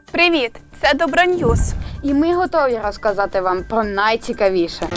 Привіт! Це Доброньюз. І ми готові розказати вам про найцікавіше.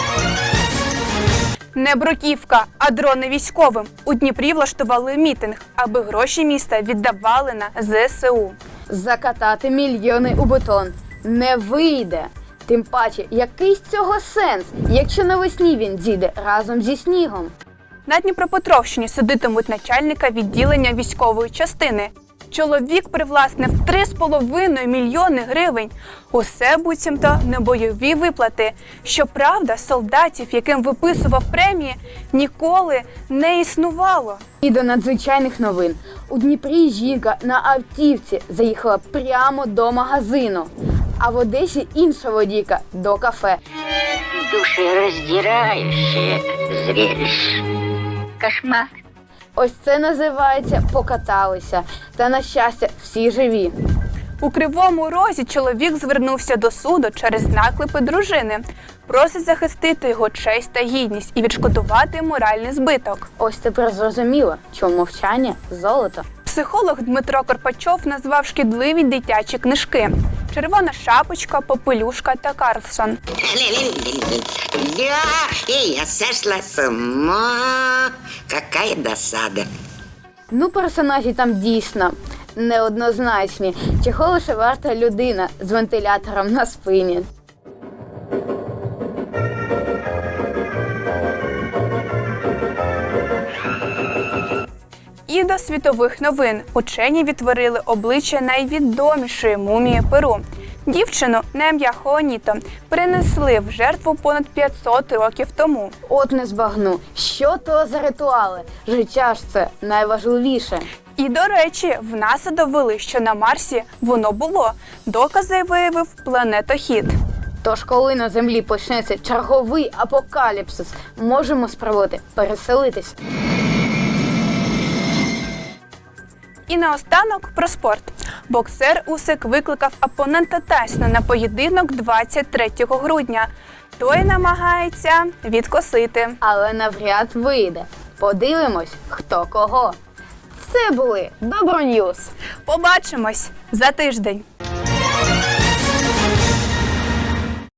Не бруківка, а дрони військовим. У Дніпрі влаштували мітинг, аби гроші міста віддавали на ЗСУ. Закатати мільйони у бетон не вийде. Тим паче, який з цього сенс, якщо навесні він зійде разом зі снігом? На Дніпропетровщині судитимуть начальника відділення військової частини. Чоловік привласнив 3,5 мільйони гривень. Усе буцімто не бойові виплати. Щоправда, солдатів, яким виписував премії, ніколи не існувало. І до надзвичайних новин. У Дніпрі жінка на автівці заїхала прямо до магазину. А в Одесі інша водійка до кафе. Душераздирающее зрелище. Кошмар. Ось це називається «покаталися». Та, на щастя, всі живі. У Кривому Розі чоловік звернувся до суду через наклепи дружини. Просить захистити його честь та гідність і відшкодувати моральний збиток. Ось тепер зрозуміло, чому мовчання – золото. Психолог Дмитро Карпачов назвав шкідливі дитячі книжки «Червона шапочка», «Попелюшка» та «Карлсон». Да, и я сошла с ума. Какая досада. Ну, персонажі там дійсно неоднозначні. Чого лише варта людина з вентилятором на спині. І до світових новин. Учені відтворили обличчя найвідомішої мумії Перу. Дівчину на ім'я Хуаніто принесли в жертву понад 500 років тому. От не збагну. Що то за ритуали? Життя ж це найважливіше. І, до речі, в НАСА довели, що на Марсі воно було. Докази виявив планетохід. Тож, коли на Землі почнеться черговий апокаліпсис, можемо спробувати переселитись. І наостанок про спорт. Боксер Усик викликав опонента Тайсона на поєдинок 23 грудня. Той намагається відкосити. Але навряд вийде. Подивимось, хто кого. Це були Доброньюз. Побачимось за тиждень.